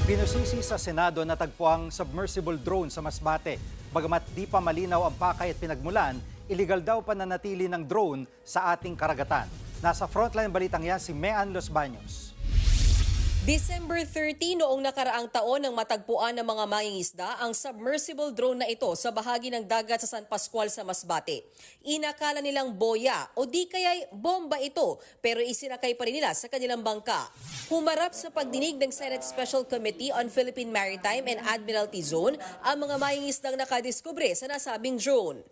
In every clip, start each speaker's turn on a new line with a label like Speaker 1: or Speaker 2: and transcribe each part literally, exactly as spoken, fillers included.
Speaker 1: Binusisi sa Senado na tagpuang submersible drone sa Masbate. Bagamat di pa malinaw ang pakay at pinagmulan, iligal daw pananatili ng drone sa ating karagatan. Nasa frontline balitang yan si Mean Los Baños.
Speaker 2: December thirty noong nakaraang taon nang matagpuan ng mga mangingisda ang submersible drone na ito sa bahagi ng dagat sa San Pascual sa Masbate. Inakala nilang boya o di kaya'y bomba ito pero isinakay pa rin nila sa kanilang bangka. Humarap sa pagdinig ng Senate Special Committee on Philippine Maritime and Admiralty Zone ang mga mangingisdang nakadiskubre sa nasabing drone.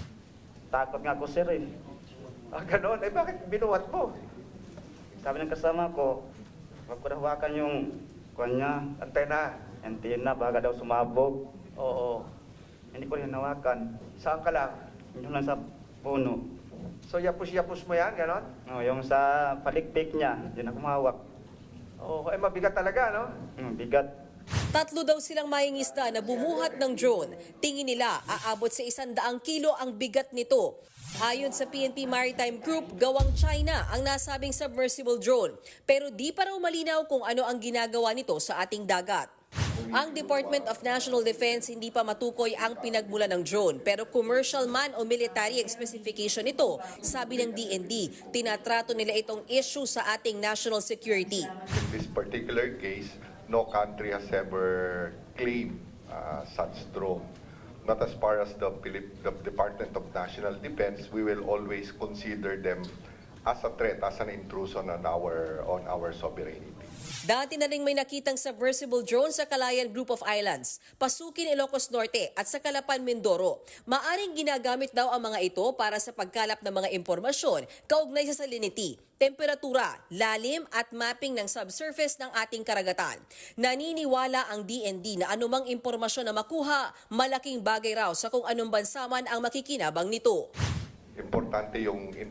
Speaker 3: Takot nga ako, sir, eh.
Speaker 4: Ah, ganon? Eh, bakit binuhat mo?
Speaker 3: Sabi ng kasama ko, wag ko na hawakan yung kanya,
Speaker 4: Antena.
Speaker 3: antenna, baka daw sumabog.
Speaker 4: Oo.
Speaker 3: Hindi ko rin hinawakan.
Speaker 4: Saan ka lang?
Speaker 3: Yung lang sa puno.
Speaker 4: So, yapus-yapus mo yan, ganon?
Speaker 3: No, yung sa palikpik niya, yun ako mahawak.
Speaker 4: Oo, eh, mabigat talaga, no?
Speaker 3: Hmm, bigat.
Speaker 2: Tatlo daw silang mangingisda na bumuhat ng drone. Tingin nila aabot sa isang daang kilo ang bigat nito. Ayon sa P N P Maritime Group, gawang China ang nasabing submersible drone. Pero di pa raw malinaw kung ano ang ginagawa nito sa ating dagat. Ang Department of National Defense hindi pa matukoy ang pinagmulan ng drone pero commercial man o military ang specification nito, sabi ng D N D. Tinatrato nila itong issue sa ating national security.
Speaker 5: In this particular case, no country has ever claimed uh, such drone. Not as far as the, Philip, the Department of National Defense, we will always consider them as a threat, as an intrusion on our on our sovereignty.
Speaker 2: Dati na rin may nakitang submersible drone sa Calayan Group of Islands, Pasukin, Ilocos Norte at sa Calapan, Mindoro. Maaring ginagamit daw ang mga ito para sa pagkalap ng mga impormasyon kaugnay sa salinity, temperatura, lalim at mapping ng subsurface ng ating karagatan. Naniniwala ang D N D na anumang impormasyon na makuha, malaking bagay raw sa kung anong bansa man ang makikinabang nito.
Speaker 5: Importante yung in,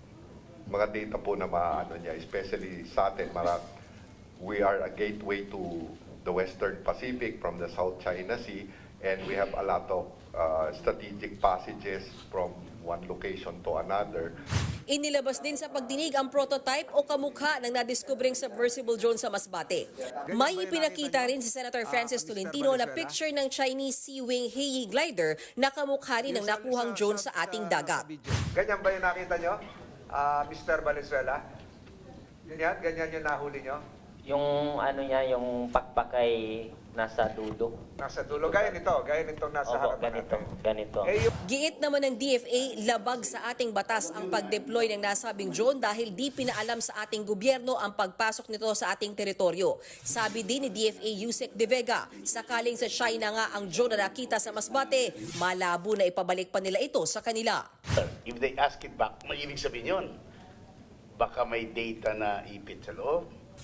Speaker 5: mga data po na maano niya, especially sa atin, mara, we are a gateway to the Western Pacific from the South China Sea, and we have a lot of uh, strategic passages from one location to another.
Speaker 2: Inilabas din sa pagdinig ang prototype o kamukha ng nadiskubring submersible drone sa Masbate. May ipinakita rin si Senator Francis Tolentino na picture ng Chinese Sea Wing Heyi glider na kamukha rin ng nakuhang drone sa ating dagat.
Speaker 4: Ganyan ba yung nakita nyo, uh, Mister Valenzuela? Ganyan? Ganyan yung nahuli nyo?
Speaker 6: Yung ano niya, yung pakpakay nasa dulo.
Speaker 4: Nasa dulo. Gaya nito. Gaya nitong nasa
Speaker 6: Opo,
Speaker 4: harapan
Speaker 6: ganito,
Speaker 4: natin.
Speaker 6: ganito.
Speaker 4: Eh, yung
Speaker 2: Giit naman ng D F A, labag sa ating batas ang pag-deploy ng nasabing drone dahil di pinaalam sa ating gobyerno ang pagpasok nito sa ating teritoryo. Sabi din ni D F A Yusek De Vega, sakaling sa China nga ang drone na nakita sa Masbate, malabo na ipabalik pa nila ito sa kanila.
Speaker 7: If they ask it back, may ibig sabihin yun. Baka may data na ipit sa loob.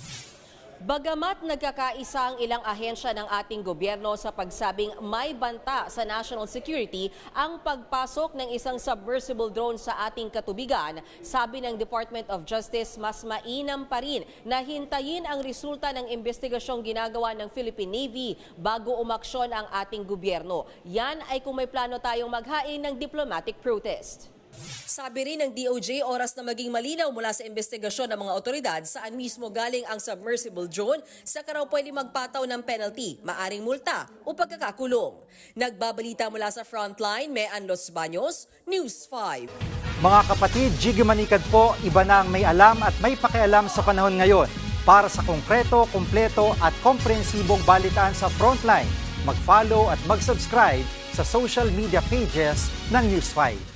Speaker 2: Bagamat nagkakaisa ang ilang ahensya ng ating gobyerno sa pagsabing may banta sa national security ang pagpasok ng isang submersible drone sa ating katubigan, sabi ng Department of Justice mas mainam pa rin na hintayin ang resulta ng investigasyong ginagawa ng Philippine Navy bago umaksyon ang ating gobyerno. Yan ay kung may plano tayong maghain ng diplomatic protest. Sabi rin ng D O J, oras na maging malinaw mula sa investigasyon ng mga otoridad saan mismo galing ang submersible drone, saka raw pwede magpataw ng penalty, maaring multa o pagkakakulong. Nagbabalita mula sa Frontline, Mean Los Baños, News five.
Speaker 1: Mga kapatid, Jiggy Manikad po, iba na ang may alam at may pakialam sa panahon ngayon. Para sa konkreto, kumpleto at komprehensibong balitaan sa Frontline, mag-follow at mag-subscribe sa social media pages ng News five.